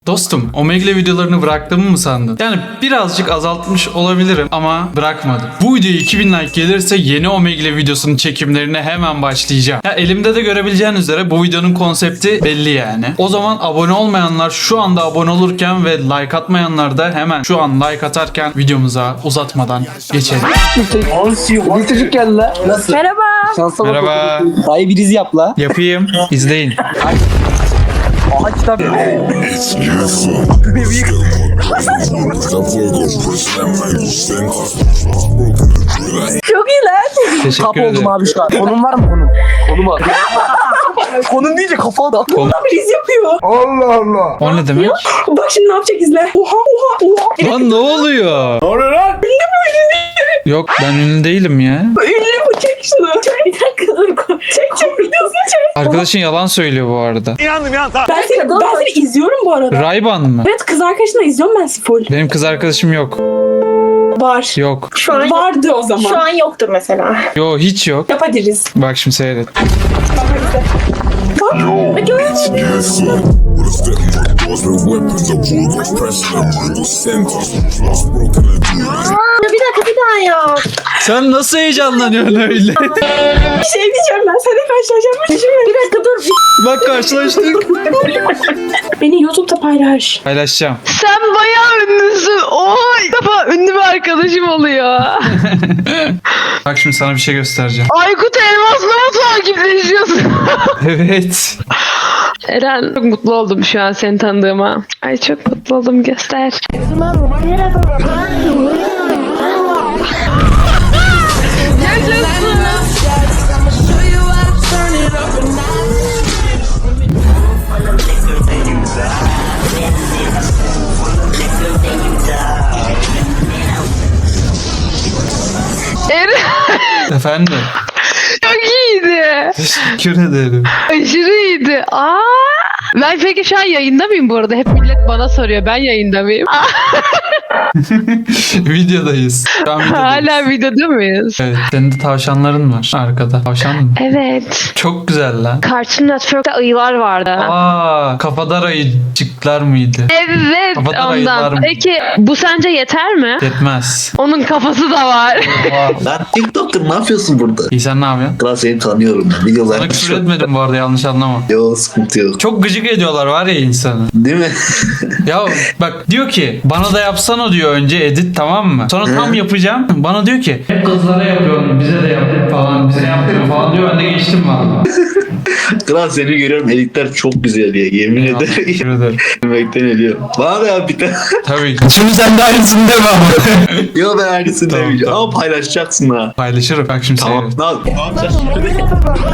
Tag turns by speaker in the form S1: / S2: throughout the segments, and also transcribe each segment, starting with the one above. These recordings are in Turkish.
S1: Dostum, Omegle videolarını bıraktığımı mı sandın? Yani birazcık azaltmış olabilirim ama bırakmadım. Bu videoya 2000 like gelirse yeni Omegle videosunun çekimlerine hemen başlayacağım. Ya elimde de görebileceğin üzere bu videonun konsepti belli yani. O zaman abone olmayanlar şu anda abone olurken ve like atmayanlar da hemen şu an like atarken videomuza uzatmadan geçelim.
S2: Bir çocuk geldi la. Nasıl?
S3: Merhaba.
S2: Şansa bak.
S1: Merhaba.
S2: Dayı bir izi yap la.
S1: Yapayım. İzleyin.
S2: Aha kitap.
S3: Çok iyi lan.
S1: Teşekkür
S2: Kap
S1: ederim.
S2: oldum abi şu an. Konum var mı konum? Konum var. Konum deyince kafa da.
S3: Biz yapıyor.
S1: O ne demek?
S3: Bak şimdi ne yapacak izle. Oha oha oha.
S1: Lan ne oluyor?
S2: Ne oluyor lan?
S1: Yok ben ünlü değilim ya.
S3: Ünlü bu, çek şunu. Bir dakika dur. Çek videosunu çek.
S1: Arkadaşın yalan söylüyor bu arada.
S3: Ben seni izliyorum bu arada.
S1: Rayban mı?
S3: Evet, kız arkadaşınla izliyorum ben full.
S1: Benim kız arkadaşım yok.
S3: Var.
S1: Yok.
S4: Şu an
S3: Vardı o zaman.
S4: Şu an yoktur mesela.
S1: Yo hiç yok.
S3: Yapabiliriz.
S1: Bak şimdi seyret.
S4: Bir dakika bir daha ya.
S1: Sen nasıl heyecanlanıyorsun öyle?
S3: Bir şey diyeceğim, ben seninle karşılaşacağım.
S4: Bir dakika dur.
S1: Bak karşılaştık.
S3: Beni YouTube'da paylaş.
S1: Paylaşacağım.
S5: Sen bayağı ünlüsün. Oha, ilk defa ünlü bir arkadaşım oluyor.
S1: Bak şimdi sana bir şey göstereceğim.
S5: Aykut Elmas'la mı takipleşiyorsun?
S1: Evet.
S5: Eren, çok mutlu oldum şu an seni tanıdığıma. Ay çok mutlu oldum, göster. Eren
S1: Efendim.
S5: çok iyiydi.
S1: Teşekkür ederim.
S5: Aşırı iyiydi. Ben peki şu an yayında mıyım bu arada? Hep millet bana soruyor. Ben yayında mıyım?
S1: Videodayız. Şu an videodayız.
S5: Hala videoda mıyız?
S1: Evet. Senin de tavşanların var arkada. Tavşan mı?
S5: Evet.
S1: Çok güzel lan.
S5: Cartoon Network'ta ayılar vardı.
S1: Kafadar ayıcıklar mıydı?
S5: Evet,
S1: Kafadan ayılar
S5: ondan.
S1: mı?
S5: Peki bu sence yeter mi?
S1: Yetmez.
S5: Onun kafası da var.
S6: Lan TikTok'tur, ne yapıyorsun burada?
S1: İyi sen ne yapıyorsun?
S6: Kral seni tanıyorum ben.
S1: Sana
S6: Videolar
S1: küfür etmedim bu arada, yanlış anlama.
S6: Yo, sıkıntı yok.
S1: Çok gıcık ediyorlar var ya insanı.
S6: Değil mi?
S1: Ya bak diyor ki bana da yapsana diyor önce edit, tamam mı? Sonra tam yapacağım. Bana diyor ki hep kızlara yapıyorsun, bize de yap falan, bize yapmıyor falan diyor. Ben de geçtim valla.
S6: Kral seni görüyorum, editler çok güzel ya, yemin ederim.
S1: Teşekkür ederim.
S6: Yemekten ediyor. Bana da yap bir tane.
S1: Tabii. Şimdi sen de aynısını deme ama.
S6: Yo, ben aynısını
S1: Tamam,
S6: demeyeceğim.
S1: tamam.
S6: Ama paylaşacaksın ha.
S1: Paylaşırım. Bak şimdi
S6: Tamam.
S1: seyret.
S6: Ne yapacağız şimdi?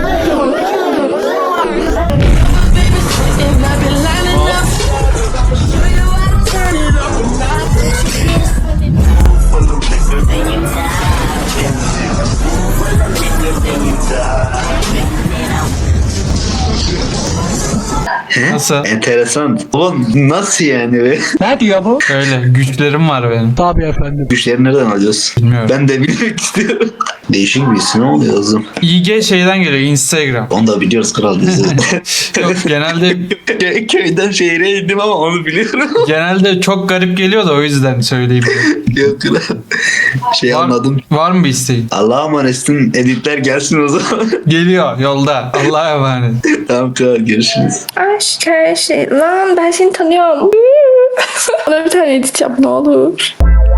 S6: He?
S1: Nasıl?
S6: Enteresan. Oğlum nasıl yani be?
S2: Ne diyor bu?
S1: Öyle güçlerim var benim.
S2: Tabii efendim.
S6: Güçleri nereden alıyoruz?
S1: Bilmiyorum.
S6: Ben de bilmek istiyorum. Değişik bir isim oluyor kızım.
S1: IG şeyden geliyor, Instagram.
S6: Onu da biliyoruz kral bizi.
S1: Yok, genelde
S6: Köyden şehre indim ama onu biliyorum.
S1: çok garip geliyor da o yüzden söyleyeyim.
S6: Yok kral. Anladım.
S1: Var mı bir isteğin?
S6: Allah'a emanetsin. Editler gelsin o zaman.
S1: Geliyor yolda. Allah'a emanet.
S6: Tamam kral, görüşürüz.
S3: Aşk her şey. Lan ben seni tanıyorum. Bana bir tane edit yap ne olur.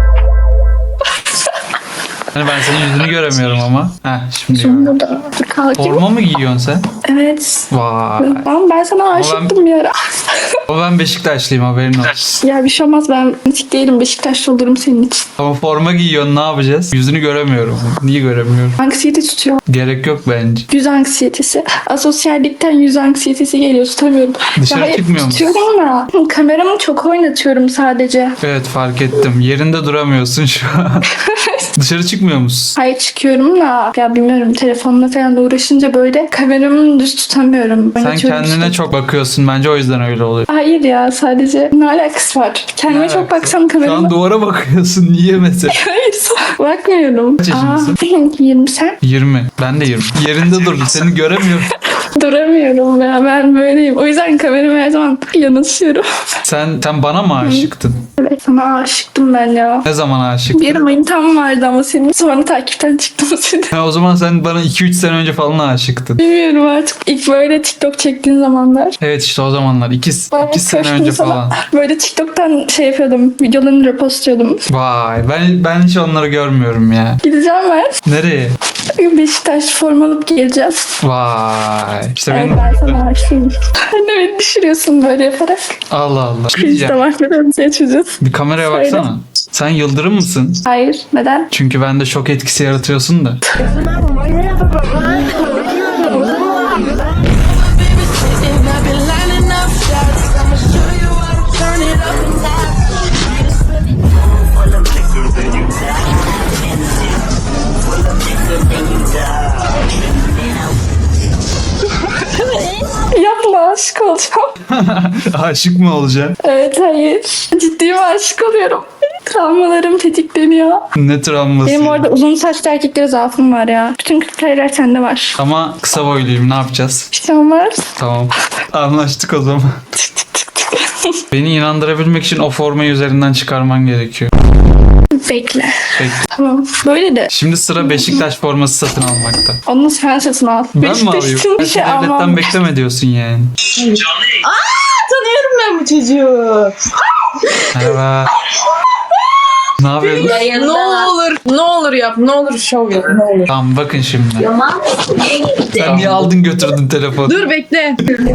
S1: Hani ben senin yüzünü göremiyorum ama. Heh şimdi
S3: Şimdi
S1: gördüm.
S3: burada. Dur kalkayım.
S1: Forma mı giyiyorsun sen?
S3: Evet.
S1: Vay.
S3: Ama ben sana aşıktım bir ara.
S1: O ben Beşiktaşlıyım, haberin olsun.
S3: Ya bir şey olmaz, ben hiç değilim. Beşiktaşlı olurum senin için.
S1: Ama forma giyiyorsun, ne yapacağız? Yüzünü göremiyorum. Niye göremiyorum?
S3: Anksiyete tutuyor.
S1: Gerek yok bence.
S3: Yüz anksiyetesi. Asosyallikten yüz anksiyetesi geliyor, tutamıyorum.
S1: Dışarı
S3: hayır,
S1: çıkmıyor musun?
S3: tutuyorum ama kameramı çok oynatıyorum sadece.
S1: Evet, fark ettim. Yerinde duramıyorsun şu an. Dışarı çıkmıyor musun?
S3: Hayır, çıkıyorum da ya bilmiyorum, telefonla falan da uğraşınca böyle kameramı düz tutamıyorum.
S1: Sen
S3: Oynatıyorum
S1: kendine
S3: işte.
S1: çok bakıyorsun, bence o yüzden öyle oluyor.
S3: Hayır ya, sadece ne alakası var? Kendime
S1: Ne
S3: çok
S1: alakası?
S3: baksam
S1: Şu
S3: kamerama.
S1: an duvara bakıyorsun, niye mesela?
S3: Hayır, bakmıyorum.
S1: Kaç yaşındasın?
S3: 20 sen?
S1: 20. Ben de 20. Yerinde dur, seni göremiyorum.
S3: Duramıyorum ya, ben böyleyim. O yüzden kamerama her zaman yanaşıyorum.
S1: Sen bana mı aşıktın?
S3: Evet, sana aşıktım ben ya.
S1: Ne zaman aşıktın?
S3: Bir manitam vardı ama senin. Sonra takipten çıktım seni.
S1: Ha, o zaman sen bana 2-3 sene önce falan aşıktın.
S3: Bilmiyorum artık. İlk böyle TikTok çektiğin zamanlar.
S1: Evet işte o zamanlar. 2
S3: Bayağı
S1: sene
S3: koştum
S1: önce
S3: sana.
S1: falan.
S3: Böyle TikTok'tan şey yapıyordum. Videolarını repostuyordum.
S1: Vay ben hiç onları görmüyorum ya.
S3: Gideceğim ben.
S1: Nereye?
S3: Beşiktaş forma alıp geleceğim.
S1: Vay. İşte
S3: Evet,
S1: benim...
S3: ben sana aşığım. Sen de beni düşürüyorsun böyle yaparak.
S1: Allah Allah. Bir şey
S3: Biz
S1: diyeceğim.
S3: de mahvedem seni çocuğun.
S1: Bir kameraya
S3: Söyle.
S1: baksana. Sen Yıldırım mısın?
S3: Hayır. Neden?
S1: Çünkü bende şok etkisi yaratıyorsun da.
S3: Yapma, aşık olacağım.
S1: Aşık mı olacaksın?
S3: Evet, hayır. Ciddiyim, aşık oluyorum. Travmalarım tetikleniyor.
S1: Ne travması?
S3: Benim orada uzun saçlı erkeklere zaafım var ya. Bütün kriterler sende var.
S1: Ama kısa boyluyum, ne yapacağız?
S3: Bir şey olmaz.
S1: Tamam. Anlaştık o zaman. Beni inandırabilmek için o formayı üzerinden çıkarman gerekiyor.
S3: Bekle.
S1: Peki.
S3: Tamam. Böyle de.
S1: Şimdi sıra Beşiktaş forması satın almakta.
S3: Onu sen satın al.
S1: Ben mi
S3: Beşiktaş
S1: alayım?
S3: için bir
S1: Belki
S3: şey
S1: devletten
S3: almam.
S1: bekleme diyorsun yani.
S4: Tanıyorum ben bu çocuğu.
S1: Merhaba. Ne yapıyorsun?
S4: Ne olur yap. Ne olur şov yap. Ne olur.
S1: Tamam bakın şimdi. Sen niye aldın götürdün telefonu?
S4: Dur bekle.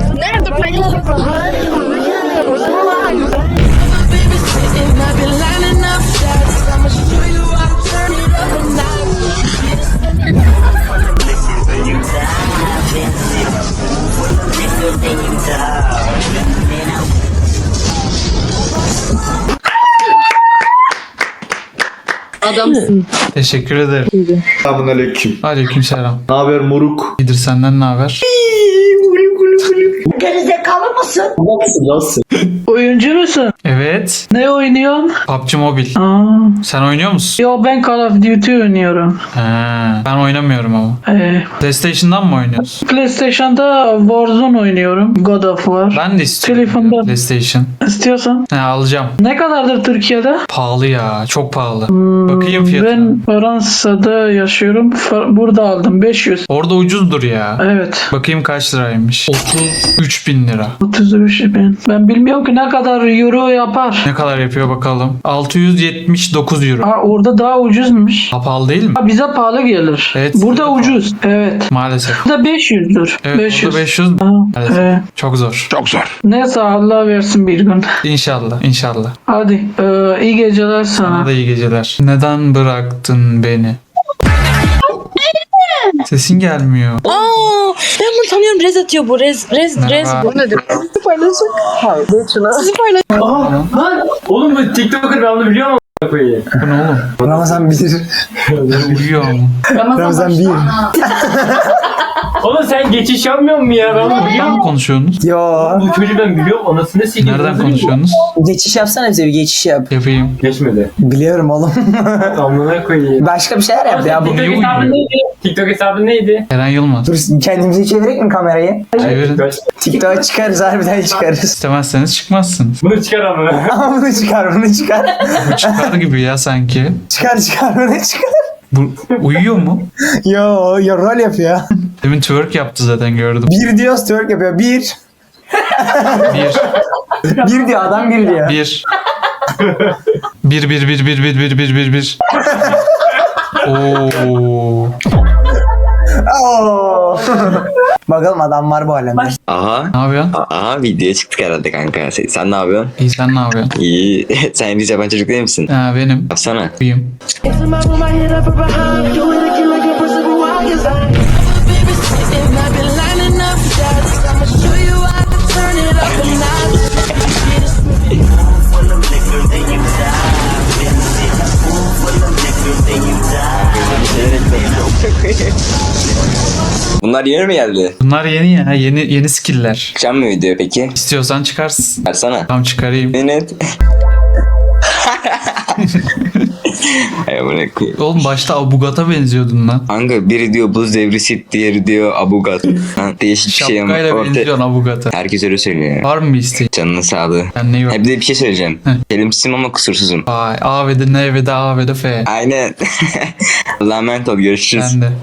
S4: Adamsın.
S1: Teşekkür ederim.
S6: Selamünaleyküm.
S1: Aleykümselam.
S6: Ne haber moruk?
S1: İyidir, senden ne haber?
S6: Nasılsın?
S7: Oyuncu musun?
S1: Evet.
S7: Ne oynuyorsun?
S1: PUBG Mobile.
S7: Aa,
S1: Sen oynuyor musun?
S7: yo ben Call of Duty oynuyorum.
S1: He, ben oynamıyorum ama. PlayStation'dan mı oynuyorsun?
S7: PlayStation'da Warzone oynuyorum. God of War.
S1: Ben de istiyorum.
S7: Telefonda.
S1: ya, PlayStation.
S7: İstiyorsan.
S1: He, alacağım.
S7: Ne kadardır Türkiye'de?
S1: Pahalı ya. Çok pahalı. Bakayım fiyatına.
S7: Ben Fransa'da yaşıyorum. Burada aldım 500.
S1: Orada ucuzdur ya.
S7: Evet.
S1: Bakayım kaç liraymış. 33 bin lira.
S7: 33 bin. Ben bilmiyorum ki ne kadar euro yapar.
S1: Ne kadar yapıyor bakalım. 679 euro.
S7: Aa, orada daha ucuzmuş.
S1: Ha, pahalı değil mi?
S7: Ha, bize pahalı gelir.
S1: Evet.
S7: Burada ucuz. Evet.
S1: Maalesef.
S7: Burada 500'dür.
S1: Evet
S7: 500.
S1: burada 500.
S7: Ha,
S1: Maalesef.
S7: evet.
S1: Çok zor.
S7: Neyse Allah versin bir gün.
S1: İnşallah. İnşallah.
S7: Hadi iyi geceler
S1: Sana
S7: sana.
S1: da iyi geceler. Neden bıraktın beni? Sesin gelmiyor.
S8: Aa, ben bunu tanıyorum. Rez atıyor bu. Rez
S1: Merhaba.
S8: bu.
S2: Nedir? Hayır. Geç şuna. Oğlum bu TikToker, ben onu biliyor musun? Koyayım.
S1: Bu ne oğlum?
S9: Ramazan bilir.
S1: Uyuyor mu?
S9: Ramazan bir.
S2: Oğlum sen geçiş yapmıyor musun ya? Ben onu biliyorum.
S1: Nereden konuşuyorsunuz?
S9: Yo.
S2: Bu çocuğu ben biliyorum. Anasını sikeyim.
S1: Nereden konuşuyorsunuz?
S9: Geçiş yapsana bize bir geçiş yap.
S1: Yapayım.
S2: Geçmedi.
S9: Biliyorum oğlum.
S2: Amına koyayım.
S9: Başka bir şeyler yap ya. Bu.
S2: TikTok hesabın neydi? TikTok hesabın neydi?
S1: Eren Yılmaz.
S9: Dur kendimize çevirek mi kamerayı?
S1: Çevirin.
S9: TikTok'a çıkarız, harbiden çıkarız.
S1: İstemezseniz çıkmazsınız.
S2: Bunu çıkar ama.
S9: Ama bunu çıkar, bunu çıkar.
S1: Bu çıkar gibi ya sanki.
S9: Çıkar, bunu çıkar.
S1: Bu uyuyor mu?
S9: Yo, rol yapıyor.
S1: Demin twerk yaptı zaten gördüm.
S9: Bir diyor, twerk yapıyor. Bir.
S1: Bir.
S9: Bir diyor, adam bir diyor.
S1: Bir. Bir. Oo.
S9: Oo. Bakalım adam var bu alemde.
S10: Aha.
S1: Ne yapıyorsun?
S10: Aha videoya çıktık herhalde kanka. Sen ne yapıyorsun?
S1: İyi, sen ne yapıyorsun?
S10: İyi. Sen İngilizce yabancı çocuk değil misin?
S1: Ha, benim.
S10: Yapsana.
S1: Uyuyayım.
S10: Bunlar yeni mi geldi?
S1: Bunlar yeni ya. Yeni skill'ler.
S10: Çıkacak mı video peki?
S1: İstiyorsan çıkarsın.
S10: Versana.
S1: Tamam çıkarayım.
S10: Evet. Ay amına koyayım.
S1: Oğlum başta Abugat'a benziyordun lan.
S10: Kanka biri diyor buz devri sit, diğeri diyor abugat. Ha, değişik bir şey ama
S1: Şapkayla
S10: ortaya...
S1: benziyorsun Abugat'a.
S10: Herkes öyle söylüyor.
S1: Var mı bir isteğin?
S10: Canının sağlığı.
S1: Kendine iyi bak.
S10: Ha, bir de bir şey söyleyeceğim.
S1: Heh.
S10: Kelimsizim ama kusursuzum.
S1: Vay A ve de N ve de A ve de F.
S10: Aynen. Allah'a emanet ol. Görüşürüz.
S1: Sen de.